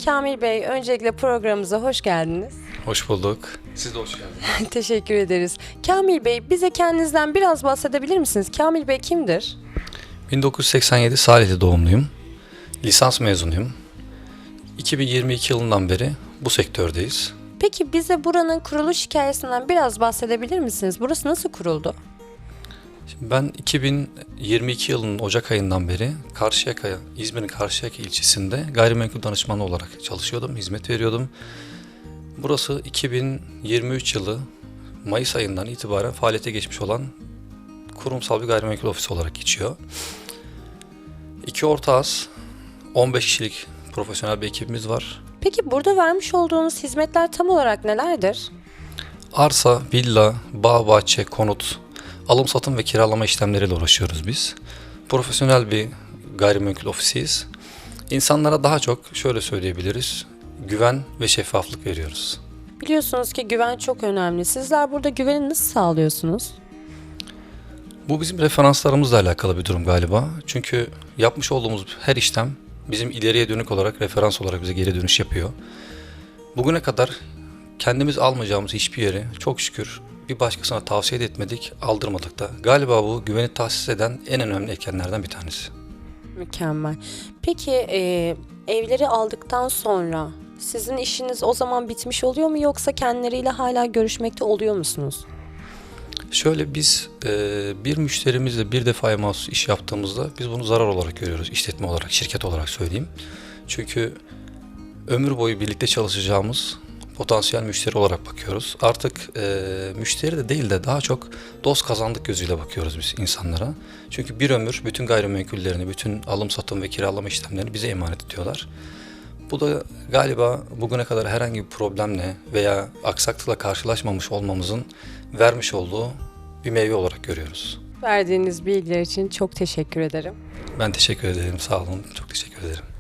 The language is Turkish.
Kamil Bey, öncelikle programımıza hoş geldiniz. Hoş bulduk. Siz de hoş geldiniz. Teşekkür ederiz. Kamil Bey, bize kendinizden biraz bahsedebilir misiniz? Kamil Bey kimdir? 1987 Salihli doğumluyum. Lisans mezunuyum. 2022 yılından beri bu sektördeyiz. Peki bize buranın kuruluş hikayesinden biraz bahsedebilir misiniz? Burası nasıl kuruldu? Şimdi ben 2022 yılının Ocak ayından beri İzmir'in Karşıyaka ilçesinde gayrimenkul danışmanı olarak çalışıyordum, hizmet veriyordum. Burası 2023 yılı Mayıs ayından itibaren faaliyete geçmiş olan kurumsal bir gayrimenkul ofisi olarak geçiyor. İki ortağız, 15 kişilik profesyonel bir ekibimiz var. Peki burada vermiş olduğunuz hizmetler tam olarak nelerdir? Arsa, villa, bağ, bahçe, konut, alım satım ve kiralama işlemleriyle uğraşıyoruz biz. Profesyonel bir gayrimenkul ofisiyiz. İnsanlara daha çok şöyle söyleyebiliriz, güven ve şeffaflık veriyoruz. Biliyorsunuz ki güven çok önemli. Sizler burada güveni nasıl sağlıyorsunuz? Bu bizim referanslarımızla alakalı bir durum galiba. Çünkü yapmış olduğumuz her işlem bizim ileriye dönük olarak referans olarak bize geri dönüş yapıyor. Bugüne kadar kendimiz almayacağımız hiçbir yeri çok şükür bir başkasına tavsiye de etmedik, aldırmadık da. Galiba bu güveni tahsis eden en önemli etkenlerden bir tanesi. Mükemmel. Peki evleri aldıktan sonra sizin işiniz o zaman bitmiş oluyor mu yoksa kendileriyle hala görüşmekte oluyor musunuz? Şöyle biz bir müşterimizle bir defaya mahsus iş yaptığımızda biz bunu zarar olarak görüyoruz. İşletme olarak, şirket olarak söyleyeyim. Çünkü ömür boyu birlikte çalışacağımız potansiyel müşteri olarak bakıyoruz. Artık müşteri de değil de daha çok dost kazandık gözüyle bakıyoruz biz insanlara. Çünkü bir ömür bütün gayrimenkullerini, bütün alım satım ve kiralama işlemlerini bize emanet ediyorlar. Bu da galiba bugüne kadar herhangi bir problemle veya aksaklıkla karşılaşmamış olmamızın vermiş olduğu bir meyve olarak görüyoruz. Verdiğiniz bilgiler için çok teşekkür ederim. Ben teşekkür ederim, sağ olun, çok teşekkür ederim.